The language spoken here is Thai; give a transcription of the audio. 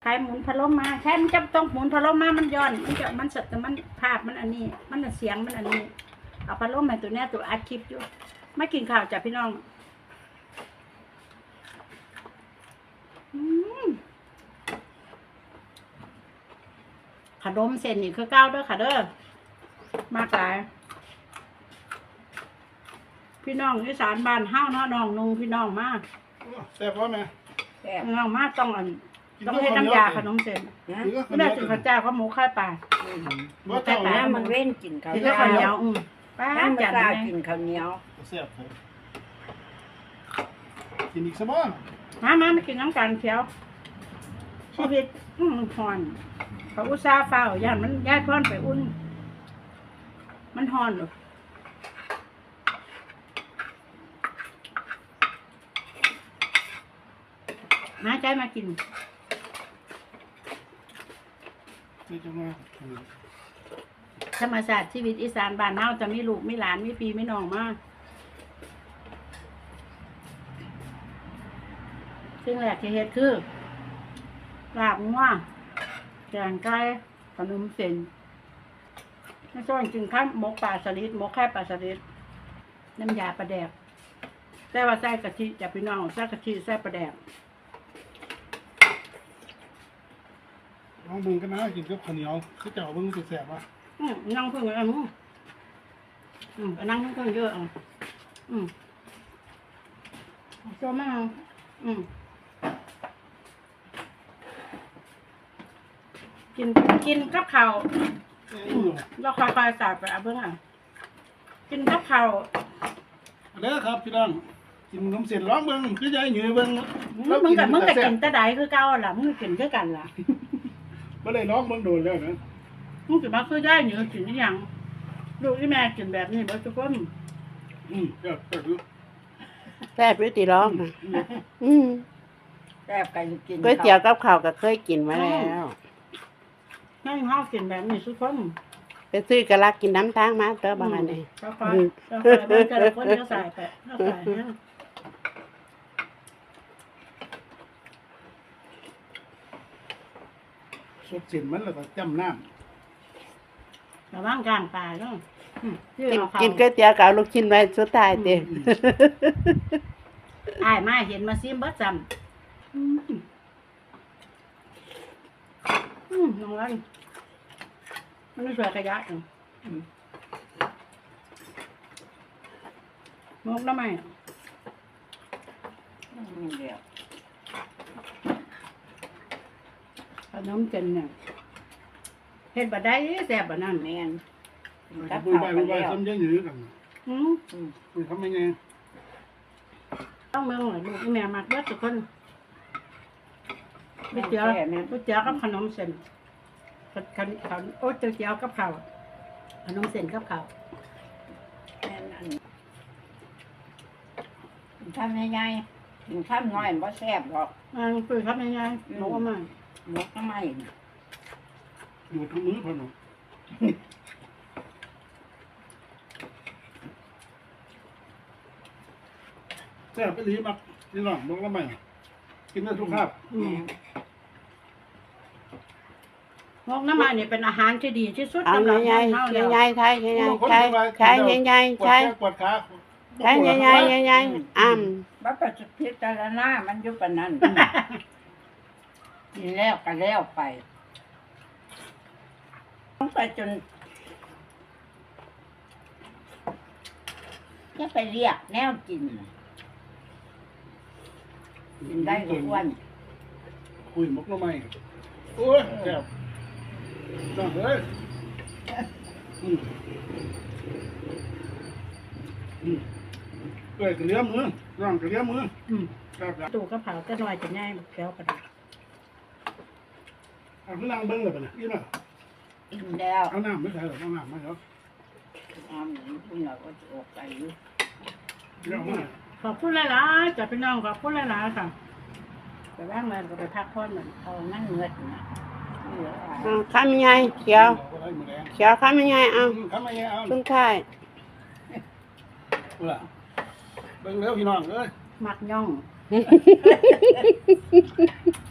ายหมุนพัดลมมาใช่มันจะต้องหมุนพัดลมมามันย้อนมันสดแต่มันภาพมันอันนี้มันเสียงมันอันนี้เอาพัดลมมาตัวเนี้ยตัวอัดคลิปอยู่ไม่กินข้าวจ้ะพี่น้องขนมเส้นนี่คือเก้าเด้อค่ะเด้อมากหลายพี่น้องอีสานบ้านห้าวเนาะน้องนุ่งพี่น้องมากแซ่บว่าแม่น้องมากต้องให้น้ำยาขนมเส้นไม่ได้ถึงข้าวเจ้าก็หมูข้าวปลาว่าเต่าน้ำมันเว้นกินข้าวกินข้าวเหนียวป้าน้ำมันจัดกล้าเลยกินข้าวเหนียวแซ่บเลยกินอีกสักบ้างมากินน้ำกันเขียวชีวิตห่อนเขาอุตส่าห์เฝ้าย่านมันย้ายพ่อนไปอุ่นมันห่อนมาใจมากินนี่จะมาธรรมชาติชีวิตอีสานบ้านเฮาจะมีลูกมีหลานมีพี่มีน้องมากสิ่งแรกที่เฮ็ดคือลาบงัวแกงไก่ขนมเส้นไม่ต้องกินข้าวหมกปลาสลิดหมกไข่ปลาสลิดน้ำยาปลาแดกแต่ว่าใส่กะทิจะพี่น้องใส่กะทิใส่ปลาแดกน้องบึงก็น่ากินกับข้าวเหนียวคือเจ้าบึงสุดแซ่บว่ะนั่งเพิ่งเลยนั่งเพิ่งเยอะโจมากกินกับข้าวเราคอยๆสาบไปเบิ่งกินกับข้าวเด้อครับพี่น้องกินขนมเสร็จร้องเบิ่งคือยายหยือเบิ่งมึงกับกินแต่ใดคือเก่าล่ะมึงกินคือกันล่ะบ่ได้ร้องเบิ่งโดนแล้วนะมึงกินมาคือได้เหนือกินอย่างลูกที่แม่กินแบบนี้บ่ทุกคนแซ่บแซ่บอยู่ติร้องนะแซ่บกันกินก๋วยเตี๋ยวกับข้าวก็เคยกินมาแล้วให้เฮากินแบบนี้ทุกคนไปซื้อกะลักกินน้ำทางมาเตอบางอันนี้ก็ค่อยมันแต่ละคนก็ใส่ไปก็ใส่ฮะสดเส้นมันแล้วก็จ้ำน้ระวังกลางปลาเนาะกินก๋วยเตี๋ยวกับเอาลูกชิ้นไว้สุดท้ายเต็มอ้ายมาเห็นมาซิมเบิดจำน้องวันมันไม่สวยกระยะมกน้ำไหมเดียวขนมเจนเนี่ยเห็ดบะได้แซ่บบ่นั่นแม่นำกับคุยข้าวไปกันคุยไปแล้วซ้ำยายหยือกันคุยทำยังไงต้องเมืองหน่อยลูกแม่มักเบิดทุกคนก๋วยเตี๋ยวกับขนมเส้นโอ้ก๋วยเตี๋ยวกับข้าวขนมเส้นกับข้าวแม่นอันทำยังไงกินข้าวน้อยบ่แซ่บหรอกคุยครับยังไงหนูเอามาหมกทำไมอยู่ทั้งมือพอหนูแซ่บไปหลีมักพี่น้องบอกแล้วไหมกินได้ทุกคาบงอกน้ำมันเนี่ยเป็นอาหารที่ดีที่สุดเอาสำหรับใหญ่เฮาแล้วๆใหญ่ๆใช่ใหญ่ๆใช่ใช่ใหญ่ๆใช่ปวดขาใช่ใหญ่ๆใหญ่ๆบ่ประสิทธิจารณามันอยู่ปานนั้นกินแล้วก็แล้วไปต้องไปจนจะไปเรียกแนวกินกินได้ทุกวันคุยมกละไม่โอ้ยแซ่บน้องเอ้ยเอ้ยกระเลี้ยมือน้องกระเลี้ยมือครับตู่กระเพราจะหน่อยจะง่ายแก้วกระดาษเอาขึ้นนั่งเบิ้งเลยป่ะเนี่ยยี่น่ะกินแล้วเอาน้ำไม่ใส่หรอกเอาน้ำไม่เหรอคุณเราก็จะออกไปอยู่เดี๋ยวมาขอบคุณหลายๆจัดพี่น้องขอบคุณหลายๆค่ะไปแว่งเลยก็ไปพักผ่อนเหมือนเอานั่นเงือดนะเหลืออะไรคำใหญ่เขียวเอาไว้มือแดงเขียวคำใหญ่เอาทำไมเอาสุดท้ายเวลาเบิ้งเร็วพี่น้องเอ้ยมักย่อง